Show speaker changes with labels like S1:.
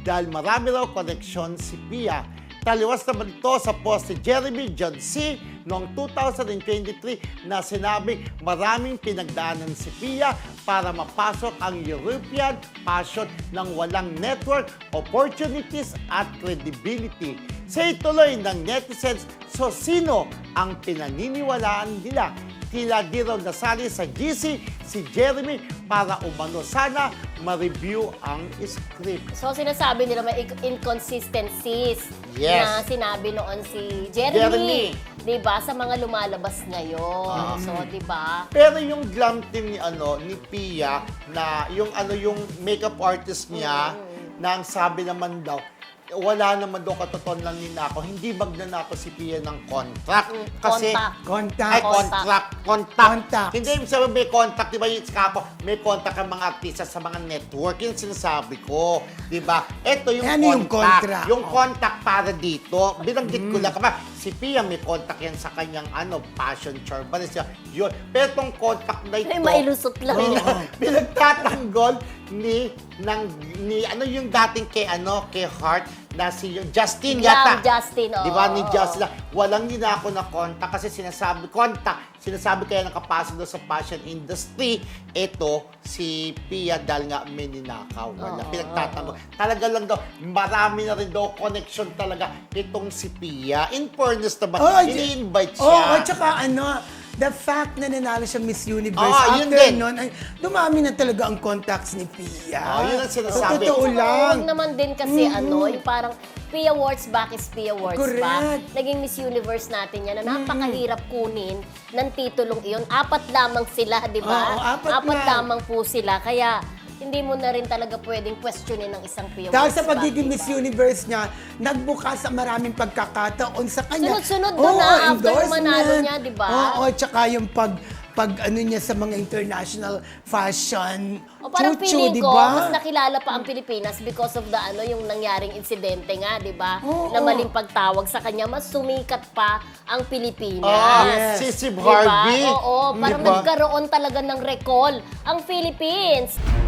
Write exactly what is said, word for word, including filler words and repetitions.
S1: dahil marami raw koneksyon si Pia. Taliwas naman ito sa post ni Jeremy John C. noong two thousand twenty-three na sinabing maraming pinagdaanan si Pia para mapasok ang European fashion ng walang network, opportunities at credibility. Sa ituloy ng netizens, so sino ang pinaniniwalaan nila? Tila di raw nasali sa G C si Jeremy para umano sana ma-review ang script.
S2: So sinasabi nila may inconsistencies
S1: Yes.
S2: na sinabi noon si Jeremy.
S1: Jeremy.
S2: 'Di ba sa mga lumalabas ngayon.
S1: Ah.
S2: So 'di ba?
S1: Pero yung glam team ni ano ni Pia na yung ano yung makeup artist niya na ang sabi naman daw wala naman daw katotohanan lang ni Nako. Hindi magnanako si Pia ng contract.
S2: Mm,
S1: Kasi,
S2: contact.
S3: Contact.
S1: ay, contract. Contact.
S3: Contact.
S1: Hindi ibig sabihin may contact. Di ba yung kapo, may contact ang mga artista sa mga network. Yun sinasabi ko. Di ba? Ito yung
S3: Ano yung
S1: contact.
S3: contract?
S1: Yung
S3: Oh.
S1: contact para dito. Binanggit ko lang kaba. Si Pia may contact yan sa kanyang ano, passion charm. Yun. Pero itong contact na ito,
S2: Ay, mailusot lang.
S1: pinagtatanggol ni ng ni ano yung dating kay ano kay Heart na si yung Justin
S2: Glam
S1: yata.
S2: Justin, oo.
S1: Di ba ni Justin? Walang ninako na contact kasi sinasabi contact, sinasabi kaya nakapasok doon sa fashion industry. Ito si Pia dahil nga may ninakaw. Wala.
S2: Oo.
S1: Pinagtatanggol. Talaga lang daw, marami na rin daw connection talaga itong si Pia. In fairness naman,
S3: Oh,
S1: ini-invite
S3: Oo,
S1: siya.
S3: oh, tsaka ano, the fact na nanalo siya Miss Universe,
S1: Ah, yun
S3: after
S1: din.
S3: nun, ay, dumami na talaga ang contacts ni Pia.
S1: Ah, yun ang sinasabi.
S3: So, totoo
S2: Oo,
S3: lang.
S2: Huwag naman din kasi ano, yung parang Pia Awards back is Pia Awards
S3: Correct.
S2: pa. Naging Miss Universe natin yan na napakahirap kunin ng titulong iyon. Apat lamang sila, di ba?
S3: Oo, apat lang.
S2: lamang po sila. Kaya hindi mo na rin talaga pwedeng questionin ng isang Pia
S3: Dahil
S2: Awards
S3: sa pagiging
S2: back,
S3: Miss
S2: diba?
S3: Universe niya, nagbukas sa maraming pagkakataon sa kanya.
S2: Sunod-sunod doon,
S3: Oo,
S2: ah, after
S3: endorsement.
S2: manalo niya, di ba?
S3: Oo, tsaka yung pag pag ano niya sa mga international fashion
S2: O parang
S3: chuchu,
S2: feeling
S3: di
S2: ko,
S3: ba?
S2: mas nakilala pa ang Pilipinas because of the ano yung nangyaring insidente nga, di ba?
S3: Oo.
S2: Na maling pagtawag sa kanya, mas sumikat pa ang Pilipinas.
S1: Ah,
S3: Yes.
S1: si Steve
S2: Diba?
S1: Harvey.
S2: Oo, parang
S1: Diba?
S2: nagkaroon talaga ng recall ang Philippines.